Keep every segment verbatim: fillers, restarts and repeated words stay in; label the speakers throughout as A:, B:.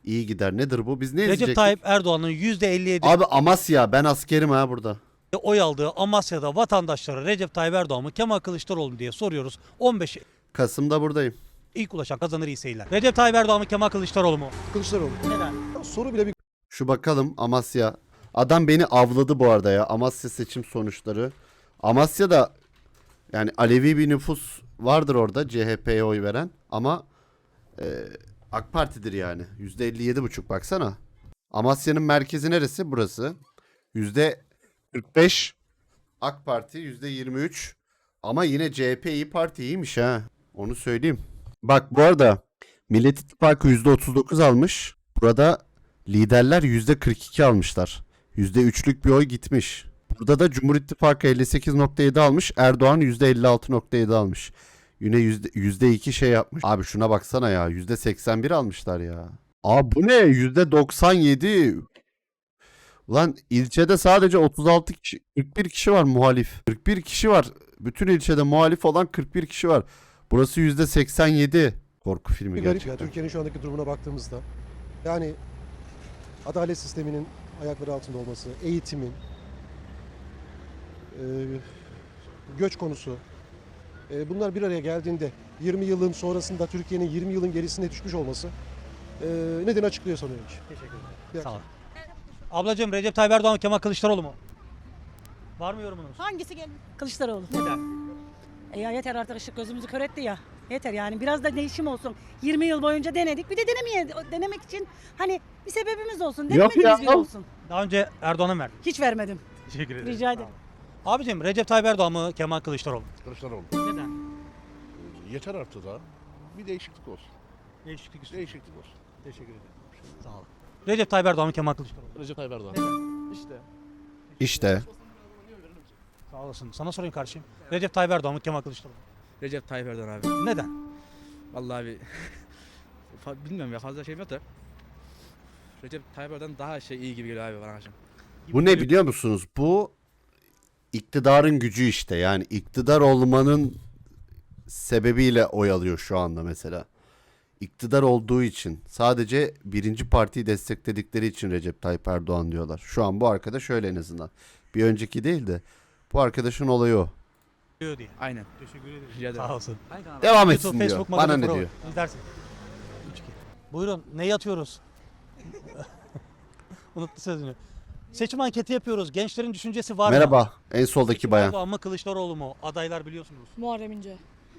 A: iyi gider. Nedir bu? Biz ne
B: Recep
A: izleyecektik?
B: Tayyip Erdoğan'ın yüzde elli yedi
A: Abi Amasya, ben askerim ha burada.
B: oy aldığı Amasya'da vatandaşlara Recep Tayyip Erdoğan mı Kemal Kılıçdaroğlu mu diye soruyoruz. on beş
A: Kasım'da buradayım.
B: ilk ulaşan kazanır iyi seyirler. Recep Tayyip Erdoğan mı Kemal Kılıçdaroğlu mu?
C: Kılıçdaroğlu.
B: Neden?
C: Soru bile bir
A: Şu bakalım Amasya. Adam beni avladı bu arada ya. Amasya seçim sonuçları. Amasya'da yani Alevi bir nüfus vardır orada, C H P'ye oy veren. Ama e, AK Parti'dir yani. yüzde elli yedi buçuk baksana. Amasya'nın merkezi neresi? Burası. yüzde kırk beş AK Parti, yüzde yirmi üç. Ama yine C H P İYİ Parti iyiymiş ha. Onu söyleyeyim. Bak bu arada Millet İttifakı yüzde otuz dokuz almış. Burada liderler yüzde kırk iki almışlar. yüzde üçlük bir oy gitmiş. Burada da Cumhur İttifakı elli sekiz nokta yedi almış. Erdoğan yüzde elli altı nokta yedi almış. Yine yüzde, yüzde iki şey yapmış. Abi şuna baksana ya. yüzde seksen bir almışlar ya. Aa bu ne? yüzde doksan yedi. Ulan ilçede sadece otuz altı kişi, kırk bir kişi var muhalif. kırk bir kişi var. Bütün ilçede muhalif olan kırk bir kişi var. Burası yüzde seksen yedi. Korku filmi
C: garip ya
A: gerçekten.
C: Türkiye'nin şu andaki durumuna baktığımızda. Yani adalet sisteminin ayakları altında olması, eğitimin, e, göç konusu. E, bunlar bir araya geldiğinde yirmi yılın sonrasında Türkiye'nin yirmi yılın gerisine düşmüş olması e, nedeni açıklıyor sanıyorum ki.
B: Teşekkür ederim.
C: Bir
B: Sağ ol. Ablacığım Recep Tayyip Erdoğan mı Kemal Kılıçdaroğlu mu? Var mı yorumunuz?
D: Hangisi gelin? Kılıçdaroğlu.
B: Neden?
D: E ya yeter artık, ışık gözümüzü kör etti ya. Yeter yani, biraz da değişim olsun. yirmi yıl boyunca denedik. Bir de denemeye, denemek için hani bir sebebimiz olsun.
A: Yok
D: Denemediğimiz
A: ya.
D: bir olsun.
B: Daha önce Erdoğan'a mı verdin?
D: Hiç vermedim.
B: Teşekkür ederim.
D: Rica ederim.
B: Abicim Recep Tayyip Erdoğan mı Kemal Kılıçdaroğlu mu?
E: Kılıçdaroğlu.
B: Neden?
E: Yeter artık da. Bir değişiklik olsun.
B: Değişiklik istiyor.
E: Değişiklik olsun.
B: Teşekkür ederim. Sağ olun. Recep Tayyip Erdoğan mı Kemal Kılıçdaroğlu mu?
E: Recep Tayyip Erdoğan. İşte.
A: İşte.
B: Sağ olasın. Sana sorayım kardeşim. Recep Tayyip Erdoğan mı Kemal Kılıçdaroğlu mu?
F: Recep Tayyip Erdoğan abi.
B: Neden?
F: Vallahi abi fa- bilmiyorum ya, fazla şey yok da Recep Tayyip Erdoğan daha şey iyi gibi geliyor abi bana akşam.
A: Bu ne biliyor musunuz? Bu iktidarın gücü işte. Yani iktidar olmanın sebebiyle oy alıyor şu anda mesela. İktidar olduğu için, sadece birinci partiyi destekledikleri için Recep Tayyip Erdoğan diyorlar. Şu an bu arkadaş öyle en azından. Bir önceki değil de bu arkadaşın olayı o.
B: Diyor diye.
F: Aynen.
B: Teşekkür ederim.
F: Rica ederim.
B: Sağ olsun.
A: Devam
B: YouTube,
A: etsin diyor.
B: Facebook,
A: Bana
B: Magazin
A: ne
B: Pro.
A: diyor?
B: İzlersin. üç iki. Buyurun. Ne yatıyoruz? Unuttu sözünü. Seçim anketi yapıyoruz. Gençlerin düşüncesi var mı?
A: Merhaba. En soldaki
B: Recep
A: bayan.
B: Erdoğan mı Kılıçdaroğlu mu? Adaylar biliyorsunuz.
G: Muharrem İnce.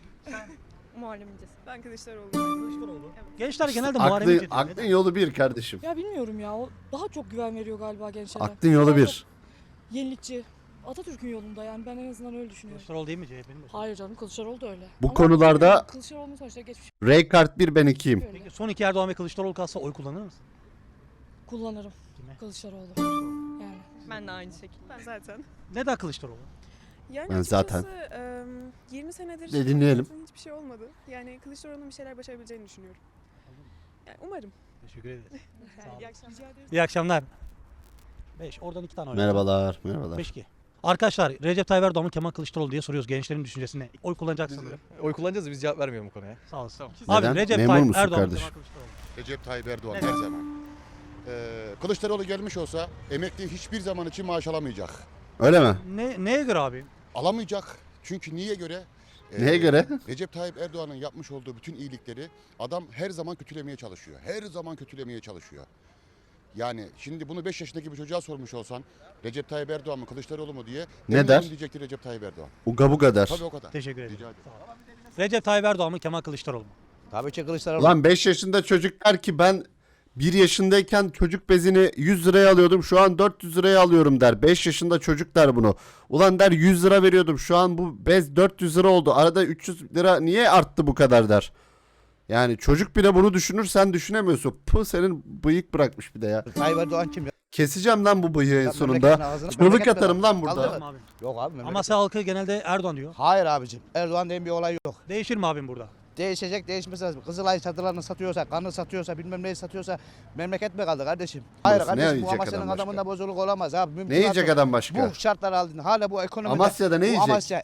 H: Muharrem İnce. Ben Kılıçdaroğlu.
B: Kılıçdaroğlu. Gençler genelde Muharrem
A: Aklın,
B: İnce diyor.
A: aklın
B: Neden?
A: yolu bir kardeşim.
G: Ya bilmiyorum ya, o daha çok güven veriyor galiba gençlere.
A: Aklın yolu
G: Daha
A: bir.
G: çok Yenilikçi. Atatürk'ün yolunda yani, ben en azından öyle düşünüyorum.
B: Kılıçdaroğlu değil mi C H P'nin?
G: Hayır canım, Kılıçdaroğlu da öyle.
A: Bu
G: Ama
A: konularda
G: Kılıçdaroğlu'nun sonuçta geçmiş
A: Ray kart bir, ben ikiyim.
G: öyle.
B: Peki son iki Erdoğan ve Kılıçdaroğlu kalsa oy kullanır mısın?
G: Kullanırım
B: Kime?
G: Kılıçdaroğlu. Yani.
H: Ben de aynı şekilde. Ben zaten.
B: Neden Kılıçdaroğlu?
H: Yani
A: Ben
H: açıkçası
A: zaten.
H: em, yirmi senedir
A: De dinleyelim.
H: hayatımda hiçbir şey olmadı. Yani Kılıçdaroğlu'nun bir şeyler başarabileceğini düşünüyorum. Yani umarım.
B: Teşekkür ederim. Sağ olun.
H: İyi akşamlar.
B: İyi akşamlar. beş. Oradan iki tane oy.
A: Merhabalar. Merhabalar.
B: beş iki. Arkadaşlar Recep Tayyip Erdoğan mı Kemal Kılıçdaroğlu diye soruyoruz. Gençlerin düşüncesine. Oy kullanacak sanırım.
I: Oy kullanacağız da biz cevap vermiyorum bu konuya.
B: Sağ olasın.
A: Neden?
B: Abi Recep
A: Memur
B: Tayyip
A: musun
B: Erdoğan mı
A: kardeşim?
B: Kemal Kılıçdaroğlu mu?
J: Recep Tayyip Erdoğan
B: Neden?
J: her zaman. Ee, Kılıçdaroğlu gelmiş olsa emekli hiçbir zaman için maaş alamayacak.
A: Öyle mi?
B: Ne, neye göre abi?
J: Alamayacak. Çünkü niye göre? Ee,
A: Neye göre?
J: Recep Tayyip Erdoğan'ın yapmış olduğu bütün iyilikleri adam her zaman kötülemeye çalışıyor. Her zaman kötülemeye çalışıyor. Yani şimdi bunu beş yaşındaki bir çocuğa sormuş olsan Recep Tayyip Erdoğan mı Kılıçdaroğlu mu diye
A: Ne
J: eminim
A: der?
J: diyecektir Recep Tayyip Erdoğan.
A: Uga buga der.
J: Tabii o kadar.
B: Teşekkür ederim.
J: Rica ederim.
B: Sağ ol. Recep Tayyip Erdoğan mı Kemal Kılıçdaroğlu mu?
I: Tabii ki Kılıçdaroğlu.
A: Ulan beş yaşında çocuk der ki ben bir yaşındayken çocuk bezini yüz liraya alıyordum, şu an dört yüz liraya alıyorum der. beş yaşında çocuk der bunu. Ulan der yüz lira veriyordum, şu an bu bez dört yüz lira oldu. Arada üç yüz lira niye arttı bu kadar der. Yani çocuk bile bunu düşünür, sen düşünemiyorsun. Puh, senin bıyık bırakmış bir de ya.
I: Tayyip Erdoğan kim ya?
A: Keseceğim lan bu bıyığı en
I: Ya
A: sonunda.
I: memleketin ağzını-
A: Çığlık
I: memleket
A: atarım
I: mi
A: lan
I: lan?
A: burada.
I: Kaldır.
B: Tamam abi.
I: Yok abi. memleket-
B: Amasya halkı genelde Erdoğan diyor.
I: Hayır abicim. Erdoğan diye bir olay yok.
B: Değişir mi abim burada?
I: Değişecek, değişmesi lazım. Kızılay çadırlarını satıyorsa, kanı satıyorsa, bilmem neyi satıyorsa memleket mi kaldı kardeşim? Hayır
A: Burası ne
I: kardeşim, bu
A: yiyecek
I: Amasya'nın
A: adam başka?
I: adamında bozuluk olamaz abi.
A: Ne yiyecek adam başka?
I: Bu şartlar aldın. Hala bu ekonomide.
A: Amasya'da ne
I: bu
A: yiyecek?
I: Amasya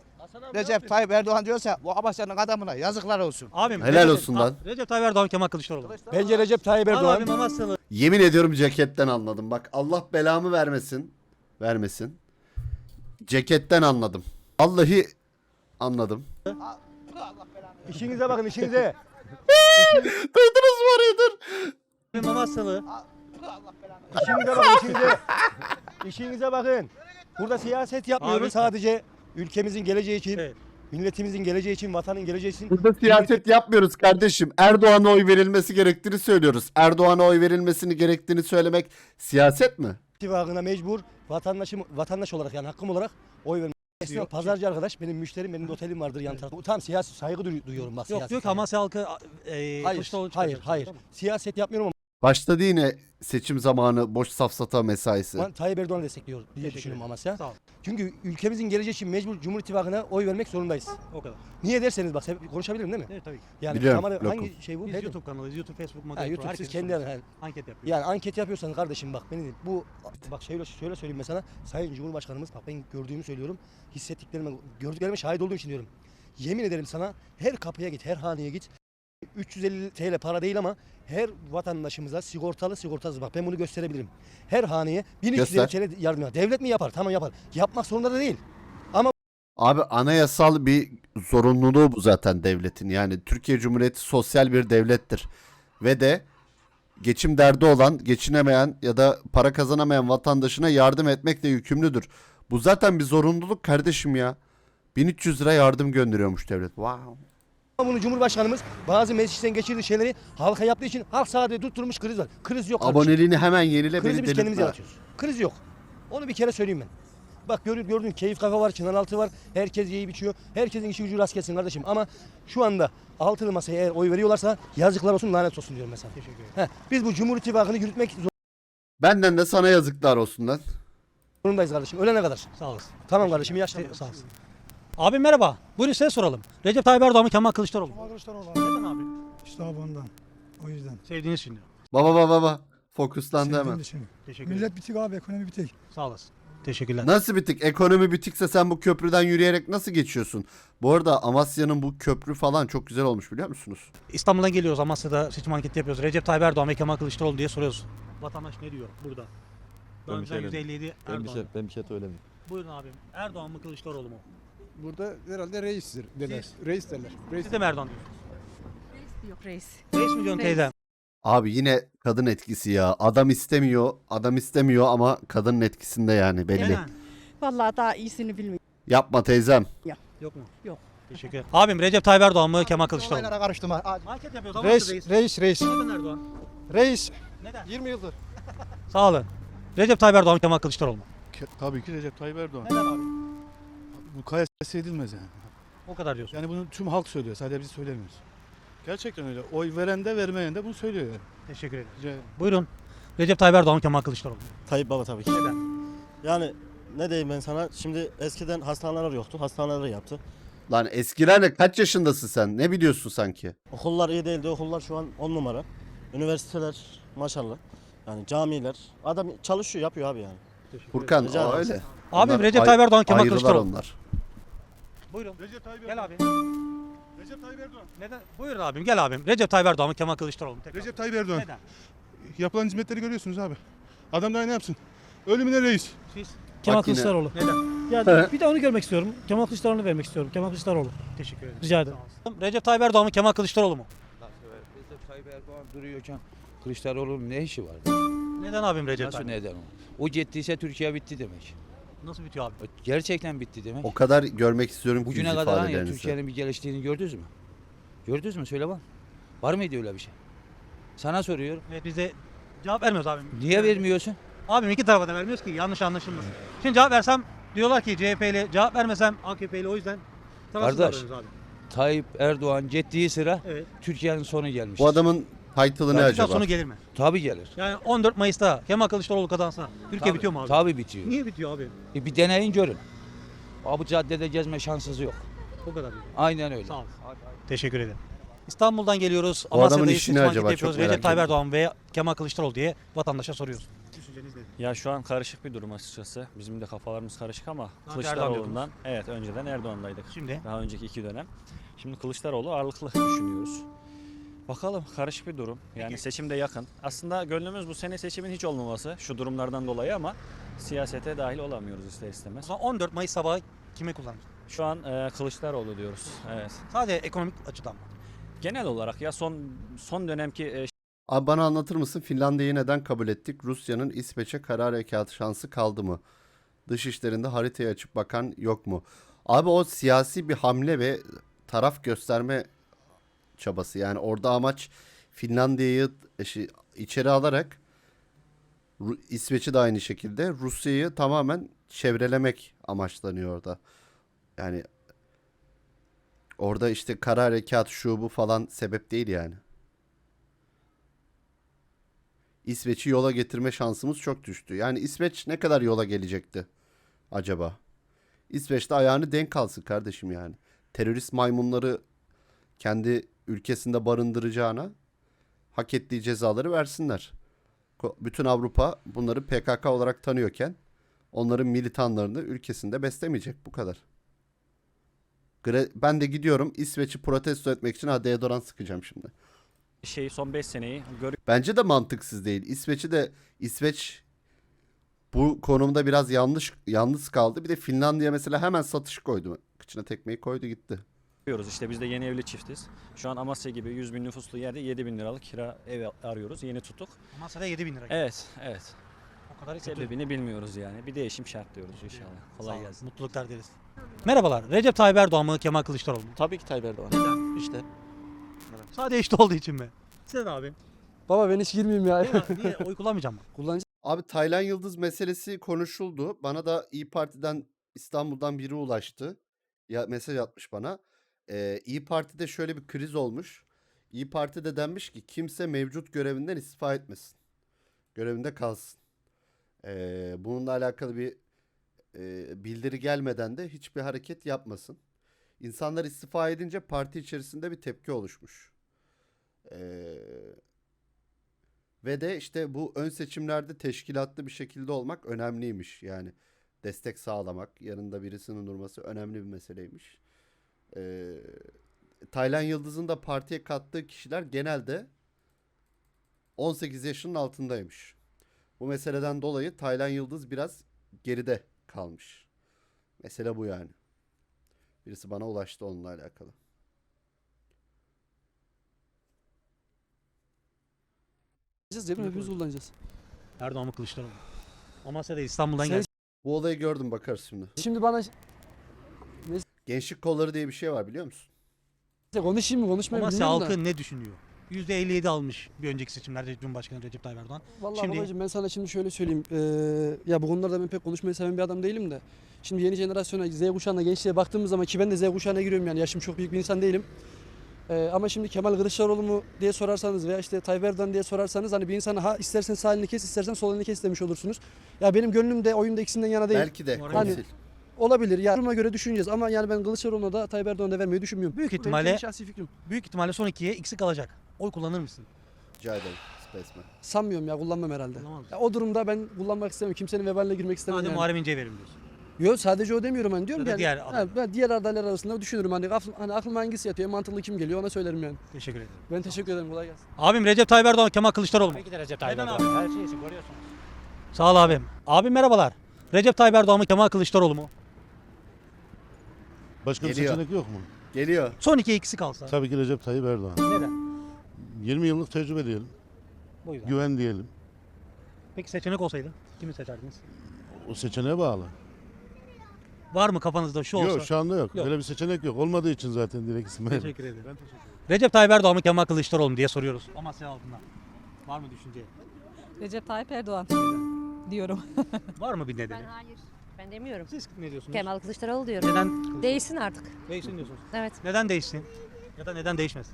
I: Recep Tayyip Erdoğan diyorsa bu Amasya'nın adamına yazıklar olsun.
B: Abim
A: Helal
B: Recep-
A: olsun lan.
B: Recep Tayyip Erdoğan, Kemal Kılıçdaroğlu.
C: Bence Recep Tayyip
B: Al
C: Erdoğan.
B: abim Amasyalı.
A: Yemin ediyorum ceketten anladım. Bak Allah belamı vermesin. Vermesin. Ceketten anladım. Vallahi anladım.
C: İşinize bakın işinize.
A: Duydunuz mu orayı dur.
B: Abim Amasyalı.
C: İşinize bakın işinize. İşinize bakın. Burada siyaset yapmıyoruz
B: Abi-
C: sadece ülkemizin geleceği için,
B: Evet.
C: milletimizin geleceği için, vatanın geleceği için.
A: Burada siyaset yapmıyoruz kardeşim. Erdoğan'a oy verilmesi gerektiğini söylüyoruz. Erdoğan'a oy verilmesini gerektiğini söylemek siyaset mi?
C: İttifakına mecbur vatandaşım vatandaş olarak yani hakkım olarak oy vermek. Esnaf pazarcı arkadaş benim müşterim, benim de otelim vardır yan tarafta. Tam siyasi saygı duy- duyuyorum bak.
B: Yok
C: siyasi
B: diyor ki
C: saygı.
B: Amasya halkı e,
C: Hayır,
B: Kılıçdaroğlu
C: hayır,
B: çıkacak.
C: hayır.
B: Tamam.
C: Siyaset yapmıyorum ama
A: Başladı yine seçim zamanı boş safsata mesaisi.
C: ben Tayyip Erdoğan'ı destekliyor diye
B: Teşekkür
C: düşünüyorum
B: ederim.
C: Amasya.
B: Sağ ol.
C: Çünkü ülkemizin geleceği için mecbur Cumhur İttifakı'na oy vermek zorundayız.
B: O kadar.
C: Niye derseniz bak sen- konuşabilirim değil mi?
B: Evet tabii ki.
C: Yani
A: Biliyorum,
C: kamera-
A: lokum.
C: hangi şey bu?
B: Biz
C: Ne-
B: YouTube kanalıyız. YouTube, Facebook,
C: Ha,
B: Magazin.
C: YouTube siz
B: herkes
C: kendi
B: soruyor.
C: yani,
B: Anket yapıyoruz.
C: yani anket yapıyorsan kardeşim bak beni bu bak şöyle şöyle söyleyeyim mesela Sayın Cumhurbaşkanımız bak ben gördüğümü söylüyorum. Hissettiklerime, gördüklerime şahit olduğum için diyorum. Yemin ederim sana her kapıya git, her haneye git. üç yüz elli T L para değil ama her vatandaşımıza sigortalı sigortasız bak ben bunu gösterebilirim. Her haneye bin üç yüz elli T L yardım yapar. Devlet mi yapar? Tamam yapar. Yapmak zorunda da değil.
A: Abi anayasal bir zorunluluğu bu zaten devletin. Yani Türkiye Cumhuriyeti sosyal bir devlettir. Ve de geçim derdi olan, geçinemeyen ya da para kazanamayan vatandaşına yardım etmekle yükümlüdür. Bu zaten bir zorunluluk kardeşim ya. bin üç yüz lira yardım gönderiyormuş devlet. Wow.
C: Ama bunu Cumhurbaşkanımız bazı meclisten geçirdiği şeyleri halka yaptığı için halk sadece tutturmuş kriz var. Kriz yok kardeşim.
A: Aboneliğini hemen yenile
C: Krizi
A: beni
C: biz kendimiz
A: delirtme.
C: yaratıyoruz. Kriz yok. Onu bir kere söyleyeyim ben. Bak gördün, gördün keyif kafe var, çınar altı var. Herkes yiyip içiyor. Herkesin işi gücü rast gelsin kardeşim. Ama şu anda altılı masaya eğer oy veriyorlarsa yazıklar olsun lanet olsun diyorum mesela.
B: Teşekkür ederim.
C: Heh, biz bu Cumhur İttifakı'nı yürütmek
A: Benden de sana yazıklar olsun lan.
C: zorundayız kardeşim. Ölene kadar.
B: Sağ olasın.
C: Tamam kardeşim iyi yaşlar.
B: Sağ olasın. Abi merhaba. Buyurun size soralım. Recep Tayyip Erdoğan mı, Kemal Kılıçdaroğlu mu?
K: Kılıçdaroğlu
B: Neden abi?
K: İşte abi ondan. O yüzden.
B: Sevdiğiniz için diyor.
A: Baba baba baba. Fokuslandı
K: Sevdiğim
A: hemen.
K: için.
B: Teşekkür ederim.
K: Millet bitik abi, ekonomi bitik.
B: Sağ olasın. Teşekkürler.
A: Nasıl bitik? Ekonomi bitikse sen bu köprüden yürüyerek nasıl geçiyorsun? Bu arada Amasya'nın bu köprü falan çok güzel olmuş biliyor musunuz?
B: İstanbul'dan geliyoruz. Amasya'da seçim anketi yapıyoruz. Recep Tayyip Erdoğan ve Kemal Kılıçdaroğlu diye soruyoruz. Vatandaş ne diyor burada?
L: Ben bir
B: Önceden
L: şey
B: yüzde elli yedi
L: Ben bir
B: Erdoğan.
L: şey, ben bir şey söylemeyeyim.
B: Buyurun abim. Erdoğan mı, Kılıçdaroğlu mu?
K: Burada herhalde reistir derler.
B: Siz?
K: Reis derler. Reis.
B: Siz de mi Erdoğan diyorsunuz?
D: Yok reis.
B: beş milyon teyzem.
A: Abi yine kadın etkisi ya. Adam istemiyor, adam istemiyor ama kadının etkisinde yani belli.
B: Neden?
G: Vallahi daha iyisini bilmiyorum.
A: Yapma teyzem.
B: Yok mu?
G: Yok.
B: Teşekkür ederim. Abim Recep Tayyip Erdoğan mı, Kemal Kılıçdaroğlu mu?
I: Olaylara karıştırma.
B: Anket yapıyoruz.
K: Reis,
B: Amasya'dayız.
K: reis, reis.
B: Neden Erdoğan?
K: Reis.
B: Neden?
K: yirmi yıldır.
B: Sağ olun. Recep Tayyip Erdoğan mı, Kemal Kılıçdaroğlu mu?
L: Tabii ki Recep Tayyip Erdoğan.
B: Neden abi?
L: Bu kıyas edilmez yani.
B: O kadar diyorsun.
L: Yani bunu tüm halk söylüyor. Sadece biz söylemiyoruz. Gerçekten öyle. Oy veren de vermeyen de bunu söylüyor yani.
B: Teşekkür ederim.
L: Rica ederim.
B: Buyurun. Recep Tayyip Erdoğan mı, Kemal Kılıçdaroğlu mu?
M: Tayyip Baba tabii ki.
B: Neden?
M: Yani ne diyeyim ben sana, şimdi eskiden hastaneler yoktu, hastaneleri yaptı.
A: Lan eskiler ne? Kaç yaşındasın sen? Ne biliyorsun sanki?
M: Okullar iyi değildi, okullar şu an on numara. Üniversiteler maşallah. Yani camiler. Adam çalışıyor, yapıyor abi yani.
A: Furkan
M: Rica
A: o
M: ederim.
A: öyle.
B: Abim
A: Onlar
B: Recep
A: ay-
B: Tayyip Erdoğan, Kemal
A: ayrılar
B: Kılıçdaroğlu mu?
A: onlar.
B: Buyurun.
K: Recep Tayyip
B: Gel abi.
K: Recep Tayyip Erdoğan.
B: Neden? Buyurun abim. Gel abim. Recep Tayyip Erdoğan mı, Kemal Kılıçdaroğlu mu? Tekrar.
K: Recep Tayyip Erdoğan.
B: Neden?
K: Yapılan hizmetleri görüyorsunuz abi. Adam daha ne yapsın? Ölümüne reis.
B: Siz?
A: Kemal Bak yine- Kılıçdaroğlu.
B: Neden?
N: Ya bir de onu görmek istiyorum. Kemal Kılıçdaroğlu'nu vermek istiyorum. Kemal Kılıçdaroğlu.
B: Teşekkür ederim.
N: Rica ederim.
B: Recep Tayyip Erdoğan mı, Kemal Kılıçdaroğlu mu?
O: Recep Tayyip Erdoğan duruyorken Kılıçdaroğlu'nun ne işi var?
B: Neden abim Recep
O: Nasıl
B: Tayyip?
O: neden o? O ciddiyse Türkiye bitti demek.
B: Nasıl bitiyor abi?
O: Gerçekten bitti demek.
A: O kadar görmek istiyorum ki yüz
O: Bugüne kadar hani
A: ifadelerinizi.
O: Türkiye'nin bir geliştiğini gördünüz mü? Gördünüz mü? Söyle bak. Var mıydı öyle bir şey? Sana soruyorum.
B: Evet biz de cevap vermiyoruz abim.
O: Niye vermiyorsun?
B: Abim iki tarafa da vermiyoruz ki yanlış anlaşılmasın. Şimdi cevap versem diyorlar ki C H P'li, cevap vermesem A K P'li, o yüzden tarafsız
O: Kardeş.
B: davranıyoruz abi.
O: Tayyip Erdoğan ciddiği sıra
B: Evet.
O: Türkiye'nin sonu gelmiş.
A: Bu adamın title'ı ne
B: Türkiye
A: acaba?
B: sonu gelir mi?
O: Tabii gelir.
B: Yani on dört Mayıs'ta Kemal Kılıçdaroğlu kazansa Türkiye
O: Tabii,
B: bitiyor mu abi?
O: Tabii bitiyor.
B: Niye bitiyor abi?
O: E bir deneyin görün. Abi caddede gezme şansınız yok.
B: O kadar diyor.
O: Aynen öyle.
B: Sağ ol. Teşekkür ederim. İstanbul'dan geliyoruz.
A: Bu adamın
B: Amasya'dayız.
A: işi ne
B: Seçim
A: acaba?
B: anketi
A: Çok
B: yapıyoruz.
A: merak
B: Recep Tayyip
A: ediyorum.
B: Erdoğan ve Kemal Kılıçdaroğlu diye vatandaşa soruyoruz. Düşünceniz nedir?
P: Ya şu an karışık bir durum açıkçası. Bizim de kafalarımız karışık ama
B: Erdoğan
P: Kılıçdaroğlu'ndan evet önceden Erdoğan'daydık.
B: Şimdi?
P: Daha önceki iki dönem. Şimdi Kılıçdaroğlu ağırlıklı düşünüyoruz. Bakalım karışık bir durum. Yani seçim de yakın. Aslında gönlümüz bu sene seçimin hiç olmaması şu durumlardan dolayı ama siyasete dahil olamıyoruz ister
B: O
P: istemez.
B: zaman on dört Mayıs sabahı kime kullanır?
P: Şu an e, Kılıçdaroğlu diyoruz. Evet.
B: Sadece ekonomik açıdan mı?
P: Genel olarak ya son son dönemki e,
A: Abi bana anlatır mısın Finlandiya'yı neden kabul ettik? Rusya'nın İsveç'e kara harekatı şansı kaldı mı? Dışişlerinde haritayı açıp bakan yok mu? Abi o siyasi bir hamle ve taraf gösterme çabası. Yani orada amaç Finlandiya'yı şey, içeri alarak Ru- İsveç'i de aynı şekilde Rusya'yı tamamen çevrelemek amaçlanıyor orada. Yani orada işte kara harekat şu bu falan sebep değil yani. İsveç'i yola getirme şansımız çok düştü. Yani İsveç ne kadar yola gelecekti acaba? İsveç'te ayağını denk alsın kardeşim yani. Terörist maymunları kendi ülkesinde barındıracağına hak ettiği cezaları versinler. Ko- Bütün Avrupa bunları P K K olarak tanıyorken onların militanlarını ülkesinde beslemeyecek bu kadar. Gre- Ben de gidiyorum İsveç'i protesto etmek için ha deodorant sıkacağım şimdi.
P: şey son beş seneyi görüyoruz.
A: Bence de mantıksız değil. İsveç'i de İsveç bu konumda biraz yanlış yalnız kaldı. Bir de Finlandiya mesela hemen satış koydu. Kıçına tekmeyi koydu gitti.
P: İşte biz de yeni evli çiftiz. Şu an Amasya gibi yüz bin nüfuslu yerde yedi bin liralık kira ev arıyoruz. Yeni tuttuk.
B: Amasya'da yedi bin lira.
P: Evet, evet.
B: O kadar kötü.
P: Sebebini bilmiyoruz yani. Bir değişim şart diyoruz inşallah.
B: Sağ
P: Kolay
B: olun,
P: gelsin.
B: mutluluklar dileriz. Merhabalar. Recep Tayyip Erdoğan mı Kemal Kılıçdaroğlu mu?
L: Tabii ki Tayyip Erdoğan.
B: Neden?
L: İşte.
B: Sadece işte olduğu için mi? Sen abi.
C: Baba ben hiç girmeyeyim ya.
B: Niye, niye oy kullanmayacağım mı?
C: Kullanacağım.
A: Abi Taylan Yıldız meselesi konuşuldu. Bana da İyi Parti'den İstanbul'dan biri ulaştı. Ya mesaj atmış bana. Ee, İyi Parti'de şöyle bir kriz olmuş. İyi Parti'de denmiş ki kimse mevcut görevinden istifa etmesin. Görevinde kalsın. Ee, bununla alakalı bir e, bildiri gelmeden de hiçbir hareket yapmasın. İnsanlar istifa edince parti içerisinde bir tepki oluşmuş. Ee, Ve de işte bu ön seçimlerde teşkilatlı bir şekilde olmak önemliymiş. Yani destek sağlamak, yanında birisinin durması önemli bir meseleymiş. Ee, Taylan Yıldız'ın da partiye kattığı kişiler genelde on sekiz yaşının altındaymış. Bu meseleden dolayı Taylan Yıldız biraz geride kalmış. Mesele bu yani. Birisi bana ulaştı onunla alakalı.
C: Cebim hepimiz kullanacağız.
B: Erdoğan mı Kılıçdaroğlu mu? Amasya'da İstanbul'dan
C: Sen-
B: geldi.
A: Bu olayı gördüm bakarız şimdi.
C: Şimdi bana
A: Gençlik kolları diye bir şey var biliyor musun?
C: konuşayım mı konuşmayayım
B: Amasya
C: bilmiyorum da.
B: halkı ne düşünüyor? yüzde elli yedi almış bir önceki seçimlerde Cumhurbaşkanı Recep Tayyip Erdoğan.
C: Vallahi
B: Şimdi-
C: babacığım ben sana şimdi şöyle söyleyeyim. Ee, ya bu konularda ben pek konuşmayı seven bir adam değilim de. Şimdi yeni jenerasyona, Z kuşağına, gençliğe baktığımız zaman ki ben de Z kuşağına giriyorum yani yaşım çok büyük bir insan değilim. Ee, ama şimdi Kemal Kılıçdaroğlu mu diye sorarsanız veya işte Tayyip Erdoğan diye sorarsanız hani bir insana ha istersen sağ elini kes istersen sol elini kes demiş olursunuz. Ya benim gönlüm de oyunda ikisinden yana değil.
A: Belki de
B: Hani-
A: konsil.
C: Olabilir ya duruma göre düşüneceğiz ama yani ben Kılıçdaroğlu'na da Tayyip Erdoğan'a da vermeyi düşünmüyorum.
B: Büyük
C: Bu benim
B: ihtimalle-
C: kendi şahsi fikrim.
B: Büyük ihtimalle son ikiye ikisi kalacak. Oy kullanır mısın?
A: Rica ederim. Spaceman.
C: Sanmıyorum ya kullanmam herhalde.
B: Kullanmaz mısın?
C: Ya o durumda ben kullanmak istemem. Kimsenin vebaline girmek istemem.
B: Sadece
C: yani.
B: Muharrem İnce'ye verim diyorsun.
C: Yok sadece o demiyorum hani diyorum
B: Ya da
C: ki
B: diğer
C: yani,
B: aday.
C: ha, ben diğer adaylar arasında düşünürüm hani, akl, hani aklıma hangisi yatıyor en mantıklı kim geliyor ona söylerim yani.
B: Teşekkür ederim.
C: Ben teşekkür ederim kolay gelsin.
B: Abim Recep Tayyip Erdoğan, Kemal Kılıçdaroğlu mu?
N: Tabii ki de Recep Tayyip
B: Neden
N: Erdoğan.
B: abi?
N: Her şey için görüyorsunuz.
B: Sağ ol abim. Abim merhabalar. Recep Tayyip Erdoğan mı Kemal Kılıçdaroğlu mu?
K: Başka bir
A: Geliyor.
K: seçenek yok mu?
A: Geliyor.
B: Son ikiye ikisi kalsa.
K: Tabii ki Recep Tayyip Erdoğan.
B: Neden?
K: yirmi yıllık tecrübe diyelim.
B: Bu yüzden.
K: Güven diyelim.
B: Peki seçenek olsaydı kimi seçerdiniz?
K: O seçeneğe bağlı.
B: Var mı kafanızda şu olsa?
K: Yok şu anda yok.
B: Yok.
K: Öyle bir seçenek yok. Olmadığı için zaten direkt isim verdim.
B: Teşekkür ederim.
K: Ben teşekkür ederim.
B: Recep Tayyip Erdoğan mı Kemal Kılıçdaroğlu mu diye soruyoruz. Amasya halkından. Var mı düşünce?
G: Recep Tayyip Erdoğan diyorum.
B: Var mı bir nedeni?
Q: hayır. Ben demiyorum.
B: Siz ne diyorsunuz?
Q: Kemal Kılıçdaroğlu diyorum.
B: Neden Kılıçdaroğlu?
Q: Değişsin artık.
B: Değişsin diyorsunuz.
Q: Evet.
B: Neden değişsin? Ya da neden değişmesin?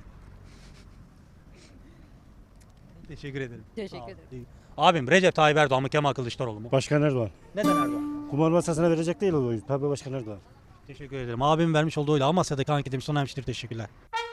B: Teşekkür ederim.
Q: Teşekkür
B: Sağ ol.
Q: ederim.
B: İyi. Abim Recep Tayyip Erdoğan mı Kemal Kılıçdaroğlu mu?
N: Başkan Erdoğan.
B: Neden Erdoğan?
N: Kumar masasına verecek değil o oyu. Tabii Başkan Erdoğan.
B: Teşekkür ederim. Abim vermiş olduğu oyla Amasya'daki anketimiz sona ermiştir. Teşekkürler.